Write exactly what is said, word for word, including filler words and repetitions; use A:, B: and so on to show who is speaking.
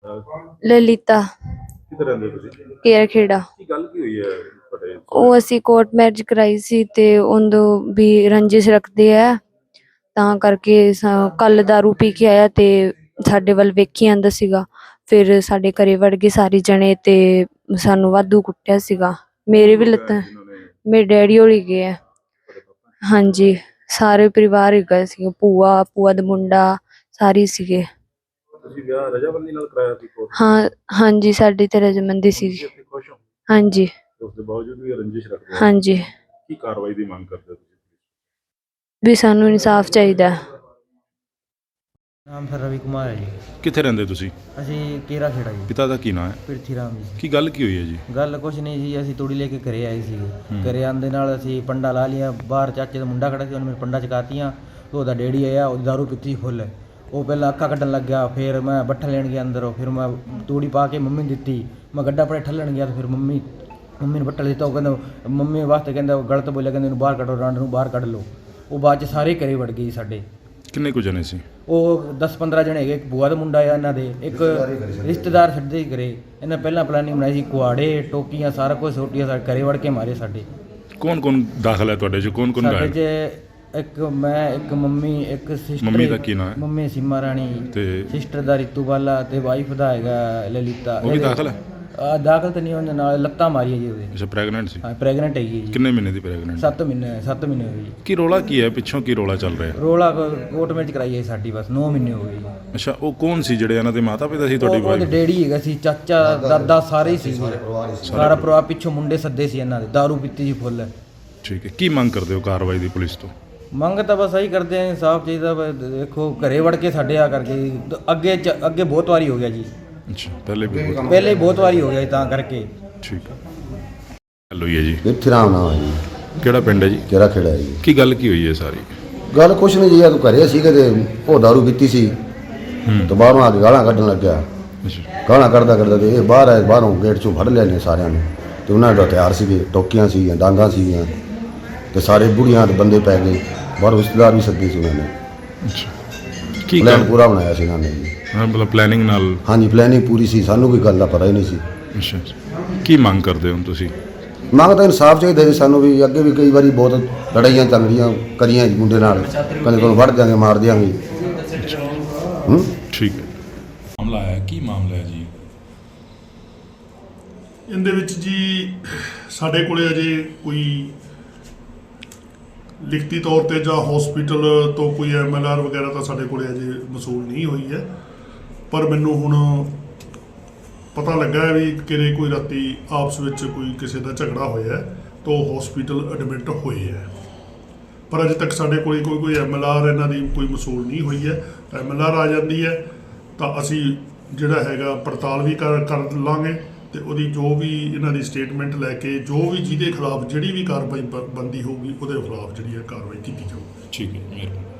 A: ललिता
B: ਕਿੱਥੇ ਰਹਿੰਦੇ ਹੋ ਤੁਸੀਂ?
A: केयर खेड़ा।
B: ਕੀ ਗੱਲ ਕੀ ਹੋਈ ਹੈ ਤੁਹਾਡੇ?
A: ਉਹ ਅਸੀਂ ਕੋਰਟ ਮੈਰਿਜ ਕਰਾਈ ਸੀ ਤੇ ਉਹਦੋਂ ਵੀ ਰੰਜਿਸ਼ ਰੱਖਦੇ ਆ, ਤਾਂ ਕਰਕੇ ਕੱਲ ਦਾਰੂ ਪੀ ਕੇ ਆਇਆ ਤੇ ਸਾਡੇ ਵੱਲ ਵੇਖੀ ਆਂਦਾ ਸੀਗਾ। ਫਿਰ ਸਾਡੇ ਘਰੇ ਵੜ ਗਏ ਸਾਰੇ ਜਣੇ ਤੇ ਸਾਨੂੰ ਵਾਧੂ ਕੁੱਟਿਆ ਸੀਗਾ। ਮੇਰੇ ਵੀ ਲੱਤਾਂ, ਮੇਰੇ ਡੈਡੀ ਹੋਲੀ ਗਏ ਆ। ਹਾਂਜੀ, ਸਾਰੇ ਪਰਿਵਾਰ ਹੀ ਗਏ ਸੀਗੇ, ਭੂਆ ਭੂਆ ਦਾ ਮੁੰਡਾ ਸਾਰੇ ਸੀਗੇ।
B: ਤੁਸੀਂ ਵਿਆਹ ਰਜਾਮੰਦੀ ਨਾਲ ਕਰਾਇਆ ਸੀ ਕੋਰਟ?
A: ਹਾਂ ਹਾਂਜੀ, ਸਾਡੀ ਤੇ ਰਜਾਮੰਦੀ ਸੀ।
B: ਖੁਸ਼ ਹੋ?
A: ਹਾਂਜੀ।
B: ਉਸ ਦੇ ਬਾਵਜੂਦ ਵੀ ਰੰਜਿਸ਼ ਰੱਖਦੇ?
A: ਹਾਂਜੀ।
B: ਕੀ ਕਾਰਵਾਈ ਦੀ ਮੰਗ ਕਰਦੇ ਹੋ ਤੁਸੀਂ?
A: ਵੀ ਸਾਨੂੰ ਇਨਸਾਫ ਚਾਹੀਦਾ।
C: ਨਾਮ ਸਰ ਰਵੀ ਕੁਮਾਰ ਹੈ ਜੀ।
B: ਕਿੱਥੇ ਰਹਿੰਦੇ ਤੁਸੀਂ?
C: ਅਸੀਂ ਕੇਰਾ ਖੇੜਾ ਜੀ।
B: ਪਿਤਾ ਦਾ ਕੀ ਨਾਮ ਹੈ?
C: ਪ੍ਰਿਥੀ ਰਾਮ ਜੀ।
B: ਕੀ ਗੱਲ ਕੀ ਹੋਈ ਹੈ ਜੀ?
C: ਗੱਲ ਕੁਛ ਨਹੀਂ ਜੀ, ਅਸੀਂ ਤੂੜੀ ਲੈ ਕੇ ਘਰੇ ਆਏ ਸੀਗੇ। ਘਰੇ ਆਉਣ ਦੇ ਨਾਲ ਅਸੀਂ ਪੰਡਾ ਲਾ ਲਿਆ। ਬਾਹਰ ਚਾਚੇ ਦਾ ਮੁੰਡਾ ਖੜਾ ਸੀ, ਉਹਨੇ ਮੇਰੇ ਪੰਡਾ ਚਕਾਤੀਆਂ। ਉਹਦਾ ਡੈਡੀ ਆਇਆ, ਉਹਦੀ ਦਾਰੂ ਪੀਤੀ ਫੁੱਲ। ਉਹ ਪਹਿਲਾਂ ਅੱਖਾਂ ਕੱਢਣ ਲੱਗ ਗਿਆ, ਫਿਰ ਮੈਂ ਬੱਠਾ ਲੈਣ ਗਿਆ ਅੰਦਰੋਂ। ਫਿਰ ਮੈਂ ਤੂੜੀ ਪਾ ਕੇ ਮੰਮੀ ਨੂੰ ਦਿੱਤੀ। ਮੈਂ ਗੱਡਾ ਪਰੇ ਠੱਲਣ ਗਿਆ ਤਾਂ ਫਿਰ ਮੰਮੀ ਮੰਮੀ ਨੇ ਬੱਠਾ ਦਿੱਤਾ। ਉਹ ਕਹਿੰਦਾ ਮੰਮੀ ਵਾਸਤੇ ਕਹਿੰਦਾ ਉਹ ਗਲਤ ਬੋਲਿਆ, ਕਹਿੰਦੇ ਇਹਨੂੰ ਬਾਹਰ ਕੱਢੋ, ਰਾਂਡ ਨੂੰ ਬਾਹਰ ਕੱਢ ਲਓ। ਉਹ ਬਾਅਦ 'ਚ ਸਾਰੇ ਘਰੇ ਵੜ ਗਏ ਸਾਡੇ।
B: ਕਿੰਨੇ ਕੁ ਜਣੇ ਸੀ?
C: ਉਹ ਦਸ ਪੰਦਰਾਂ ਜਣੇ ਹੈਗੇ। ਇੱਕ ਭੂਆ ਦਾ ਮੁੰਡਾ ਆ ਇਹਨਾਂ ਦੇ, ਇੱਕ ਰਿਸ਼ਤੇਦਾਰ ਛੱਡਦੇ ਹੀ ਕਰੇ। ਇਹਨਾਂ ਪਹਿਲਾਂ ਪਲਾਨਿੰਗ ਬਣਾਈ ਸੀ, ਕੁਆੜੇ ਟੋਕੀਆਂ ਸਾਰਾ ਕੁਝ ਸੋਟੀਆਂ ਸਾਡੇ ਘਰੇ ਵੜ ਕੇ ਮਾਰੇ ਸਾਡੇ।
B: ਕੌਣ ਕੌਣ ਦਾਖਲ ਹੈ ਤੁਹਾਡੇ 'ਚ? ਕੌਣ ਕੌਣ
C: ਸਾਡੇ
B: ਗਾਇਬ?
C: 'ਚ ਇੱਕ ਮੈਂ, ਇੱਕ ਮੰਮੀ, ਇੱਕ ਸਿਸਟਰ।
B: ਮੰਮੀ ਦਾ ਕੀ ਨਾਮ ਹੈ?
C: ਮੰਮੀ ਸੀਮਾ ਰਾਣੀ
B: ਤੇ
C: ਸਿਸਟਰ ਦਾ ਰਿਤੂ ਬਾਲਾ ਤੇ ਵਾਈਫ ਦਾ ਹੈਗਾ ਲਲਿਤਾ।
B: ਉਹ ਵੀ ਦਾਖਲ ਹੈ?
C: ਆ ਦਾਖਲ ਤਾਂ ਨਹੀਂ, ਉਹਦੇ ਨਾਲ ਲੱਤਾਂ ਮਾਰੀਆਂ ਜੀ ਉਹਦੇ।
B: ਅੱਛਾ, ਪ੍ਰੈਗਨੈਂਟ ਸੀ?
C: ਹਾਂ, ਪ੍ਰੈਗਨੈਂਟ ਹੈਗੀ ਜੀ।
B: ਕਿੰਨੇ ਮਹੀਨੇ ਦੀ ਪ੍ਰੈਗਨੈਂਟ?
C: ਸੱਤ ਮਹੀਨੇ ਸੱਤ ਮਹੀਨੇ ਹੋਈ ਜੀ।
B: ਕੀ ਰੋਲਾ ਕੀ ਹੈ ਪਿੱਛੋਂ? ਕੀ ਰੋਲਾ ਚੱਲ ਰਿਹਾ?
C: ਰੋਲਾ ਕੋਰਟ ਮੈਰਿਜ ਕਰਾਈ ਹੈ ਸਾਡੀ, ਬਸ ਨੌ ਮਹੀਨੇ ਹੋ ਗਏ ਜੀ।
B: ਅੱਛਾ, ਉਹ ਕੌਣ ਸੀ ਜਿਹੜੇ ਇਹਨਾਂ ਦੇ ਮਾਤਾ ਪਿਤਾ ਸੀ ਤੁਹਾਡੀ
C: ਉਹ ਉਹਦੇ
B: ਵਾਈਫ?
C: ਡੈਡੀ ਹੈਗਾ ਸੀ, ਚਾਚਾ ਦਾਦਾ ਸਾਰੇ ਹੀ ਸੀ। ਸਾਰਾ ਪਰਿਵਾਰ ਪਿੱਛੋਂ ਮੁੰਡੇ ਸੱਦੇ ਸੀ ਇਹਨਾਂ ਦੇ, ਦਾਰੂ ਪੀਤੀ ਸੀ ਫੁੱਲ।
B: ਠੀਕ ਹੈ, ਕੀ ਮੰਗ ਕਰਦੇ ਹੋ ਕਾਰਵਾਈ ਦੀ ਪੁਲਿਸ ਤੋਂ?
C: ਮੰਗ ਤਾਂ ਬਸ ਇਹੀ ਕਰਦੇ ਆ, ਇਨਸਾਫ ਚਾਹੀਦਾ। ਦੇਖੋ ਘਰੇ ਵੜ ਕੇ ਸਾਡੇ ਆ ਕਰਕੇ ਅੱਗੇ ਚ ਅੱਗੇ ਬਹੁਤ ਵਾਰੀ ਹੋ ਗਿਆ ਜੀ।
B: ਅੱਛਾ, ਪਹਿਲੇ ਵੀ ਬਹੁਤ-
C: ਪਹਿਲੇ ਹੀ ਬਹੁਤ ਵਾਰੀ ਹੋ ਗਿਆ ਜੀ, ਤਾਂ ਕਰਕੇ।
B: ਠੀਕ ਹੈ। ਹੈਲੋ ਜੀ ਜੀ,
D: ਪ੍ਰਿਥੀ ਰਾਮ ਨਾਮ ਹੈ ਜੀ।
B: ਕਿਹੜਾ ਪਿੰਡ ਹੈ ਜੀ?
D: ਕੇਰਾ ਖੇੜਾ ਹੈ ਜੀ।
B: ਕੀ ਗੱਲ ਕੀ ਹੋਈ ਹੈ ਸਾਰੀ?
D: ਗੱਲ ਕੁਛ ਨਹੀਂ ਜੀ, ਆ ਤੂੰ ਘਰੇ ਸੀਗੇ ਤੇ ਉਹ ਦਾਰੂ ਪੀਤੀ ਸੀ ਤੇ ਬਾਹਰੋਂ ਆ ਕੇ ਗਾਲਾਂ ਕੱਢਣ ਲੱਗਿਆ।
B: ਅੱਛਾ,
D: ਗਾਲਾਂ ਕੱਢਦਾ ਕੱਢਦਾ ਤੇ ਇਹ ਬਾਹਰ ਆਏ, ਬਾਹਰੋਂ ਗੇਟ 'ਚੋਂ ਫੜ ਲਿਆ ਨੇ ਸਾਰਿਆਂ ਨੇ। ਤੇ ਉਹਨਾਂ ਦੇ ਹਥਿਆਰ ਸੀਗੇ, ਟੋਕੀਆਂ ਸੀਗੀਆਂ, ਡਾਂਗਾਂ ਸੀਗੀਆਂ ਤੇ ਸਾਰੇ ਬੁੜੀਆਂ ਦੇ ਬੰਦੇ ਪੈ ਗਏ। ਬਾਹਰੋਂ ਰਿਸ਼ਤੇਦਾਰ ਵੀ ਸੱਦੇ ਸੀ ਉਹਨਾਂ ਨੇ।
B: ਅੱਛਾ, ਕੀ
D: ਪਲਾਨ
B: ਗੱਲ?
D: ਪੂਰਾ ਬਣਾਇਆ ਸੀ ਇਹਨਾਂ ਨੇ ਜੀ।
B: ਹਾਂ, ਮਤਲਬ ਪਲੈਨਿੰਗ ਨਾਲ?
D: ਹਾਂਜੀ, ਪਲੈਨਿੰਗ ਪੂਰੀ ਸੀ, ਸਾਨੂੰ ਕੋਈ ਗੱਲ ਦਾ ਪਤਾ ਹੀ ਨਹੀਂ ਸੀ।
B: ਅੱਛਾ ਅੱਛਾ, ਕੀ ਮੰਗ ਕਰਦੇ ਹੋ ਤੁਸੀਂ?
D: ਮੰਗ ਤਾਂ ਇਨਸਾਫ ਚਾਹੀਦਾ ਜੀ ਸਾਨੂੰ ਵੀ। ਅੱਗੇ ਵੀ ਕਈ ਵਾਰੀ ਬਹੁਤ ਲੜਾਈਆਂ ਚੱਲਦੀਆਂ ਕਰੀਆਂ ਜੀ ਮੁੰਡੇ ਨਾਲ, ਕਦੇ ਕੋਲ ਵੜ ਦਿਆਂਗੇ, ਮਾਰ ਦਿਆਂਗੇ। ਹੂੰ,
B: ਠੀਕ ਹੈ। ਮਾਮਲਾ ਹੈ, ਕੀ ਮਾਮਲਾ ਹੈ ਜੀ?
E: ਇਹਦੇ ਵਿੱਚ ਜੀ ਸਾਡੇ ਕੋਲੇ ਅਜੇ ਕੋਈ ਲਿਖਤੀ ਤੌਰ ਤੇ ਜਾਂ ਹਸਪੀਟਲ ਤੋਂ ਕੋਈ ਐਮ ਐਲ ਆਰ ਵਗੈਰਾ ਤਾਂ ਸਾਡੇ ਕੋਲੇ ਅਜੇ ਮਸੂਲ ਨਹੀਂ ਹੋਈ ਹੈ। ਪਰ ਮੈਨੂੰ ਹੁਣ ਪਤਾ ਲੱਗਾ ਹੈ ਵੀ ਕਿਰੇ ਕੋਈ ਰਾਤੀ ਆਪਸ ਵਿੱਚ ਕੋਈ ਕਿਸੇ ਦਾ ਝਗੜਾ ਹੋਇਆ ਤਾਂ ਉਹ ਹਸਪੀਟਲ ਐਡਮਿਟ ਹੋਏ ਹੈ। ਪਰ ਅਜੇ ਤੱਕ ਸਾਡੇ ਕੋਲ ਕੋਈ ਕੋਈ ਐਮ ਐਲ ਆਰ ਇਹਨਾਂ ਦੀ ਕੋਈ ਮਸੂਲ ਨਹੀਂ ਹੋਈ ਹੈ। ਐਮ ਐਲ ਆਰ ਆ ਜਾਂਦੀ ਹੈ ਤਾਂ ਅਸੀਂ ਜਿਹੜਾ ਹੈਗਾ ਪੜਤਾਲ ਵੀ ਕਰ ਕਰ ਲਾਂਗੇ ਤੇ ਉਹਦੀ ਜੋ ਵੀ ਇਹਨਾਂ ਦੀ ਸਟੇਟਮੈਂਟ ਲੈ ਕੇ ਜੋ ਵੀ ਜਿਹਦੇ ਖਿਲਾਫ ਜਿਹੜੀ ਵੀ ਕਾਰਵਾਈ ਬ ਬਣਦੀ ਹੋਊਗੀ ਉਹਦੇ ਖਿਲਾਫ ਜਿਹੜੀ ਹੈ ਕਾਰਵਾਈ ਕੀਤੀ ਜਾਊਗੀ।
B: ਠੀਕ ਹੈ, ਮਿਹਰਬਾਨੀ।